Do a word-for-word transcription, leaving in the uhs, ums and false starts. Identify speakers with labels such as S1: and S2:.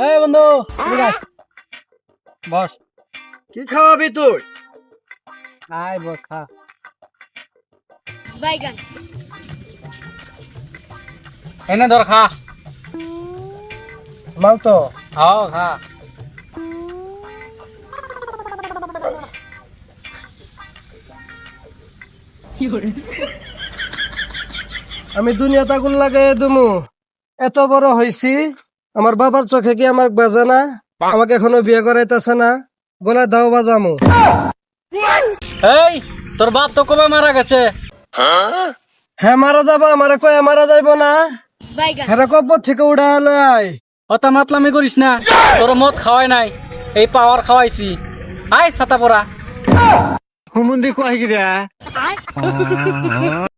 S1: এই বন্ধু এদিকে আয়। বস।
S2: কি খাওয়াবি তুই?
S1: আয় বস খা।
S3: বাইগান
S1: এনে ধর খা।
S2: মাল তো
S1: হাও খা।
S2: আমি দুনিয়াতে আগুন লাগাই দুমু। এত বড় হইছি, আমার বাবার চোখে কি আমার বাজে না? আমাকে এখনো বিয়ে করাইতেছে না, গলায় দাও বাজামু।
S1: এই তোর বাপ তো কবে মারা গেছে?
S2: হ্যাঁ মারা যাবা, আমারে কয়ে মারা যাইব না।
S3: বাইগান
S2: হ্যাঁ কব্বর থেকে উড়া হলো আয়।
S1: অত মাতলামি করিস না, তোর মদ খাওয়াই নাই, এই পাওয়ার খাওয়াইছি। আয় ছাতা পরা।
S2: হুমুন্দি কয় গিরা